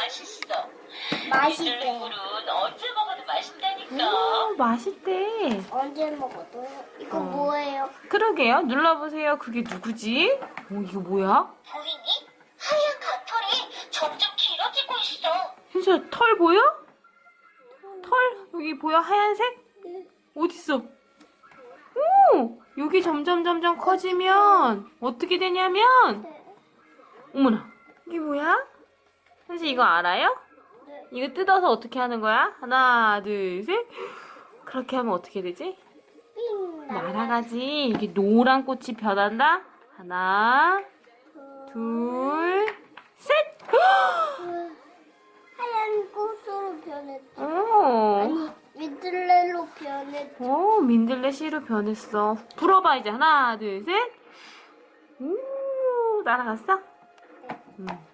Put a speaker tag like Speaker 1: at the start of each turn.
Speaker 1: 맛있어.
Speaker 2: 맛있대.
Speaker 1: 민들레 꿀은 언제 먹어도 맛있다니까.
Speaker 3: 맛있대.
Speaker 2: 언제 먹어도. 이거
Speaker 3: 어.
Speaker 2: 뭐예요?
Speaker 3: 그러게요. 눌러보세요. 그게 누구지? 이거 뭐야?
Speaker 1: 보이니? 하얀 가털이 점점 길어지고 있어.
Speaker 3: 현수야, 털 보여? 털? 여기 보여? 하얀색? 어딨어? 오! 여기 점점 커지면 어떻게 되냐면 어머나, 이게 뭐야? 현수 이거 알아요?
Speaker 2: 네.
Speaker 3: 이거 뜯어서 어떻게 하는 거야? 하나, 둘, 셋. 그렇게 하면 어떻게 되지?
Speaker 2: 삥.
Speaker 3: 날아가지. 이게 노란 꽃이 변한다. 하나, 둘, 셋.
Speaker 2: 하얀 꽃으로 변했다.
Speaker 3: 오,
Speaker 2: 아니, 민들레로 변했다.
Speaker 3: 오, 민들레 씨로 변했어. 불어봐 이제. 하나, 둘, 셋. 오, 날아갔어?